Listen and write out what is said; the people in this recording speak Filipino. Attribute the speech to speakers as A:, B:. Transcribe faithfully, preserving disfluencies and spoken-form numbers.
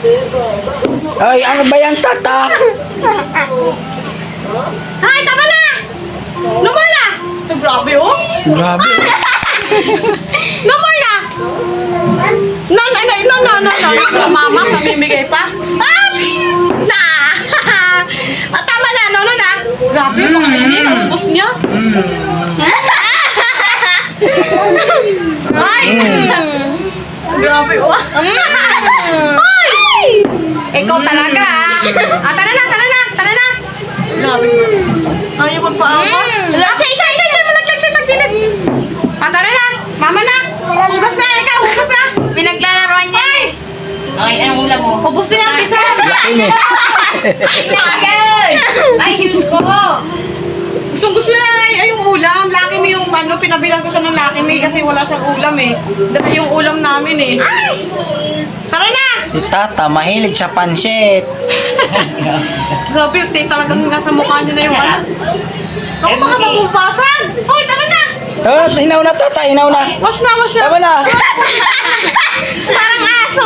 A: Ay, ano ba yan, tata?
B: Ay, tama na! No more na! Ay, grabe oh!
A: Grabe.
B: No more na! No, no, no, no, no, no, no, mama, mamimigay pa. Ah! Na! Ah, tama na, no, no na. Grabe, mga ini, naubos niya. Ay! Grabe, oh. Ay! Ikaw talaga, ah. Ah, tara na, tara na, tara na. Grabe. Ayaw magpaawa. Chay, chay, chay, chay, malaglag siya sa gilid. Ah, tara na. Mama na. Hugas na, ikaw, hugas na.
C: Pinaglalaroan niya eh.
B: Ay, anong ulam mo? Hugas na yung pisa.
A: Laki niya.
C: Ay, Diyos ko.
B: Gusto gusto na ay, ay yung ulam. Laki mo yung ano, pinabilang ko siya ng Laki May kasi wala siyang ulam eh. Dala yung ulam namin eh. Ay! Tara na!
A: Si tata, mahilig sa pansit.
B: Grabe, te, talagang nasa mukha niya na yung ano. Ako baka mabubasan! Hoy, tara na!
A: Tama na, hinaw na tata, hinaw na.
B: Wash na, wash na!
A: Tama na.
C: Parang aso.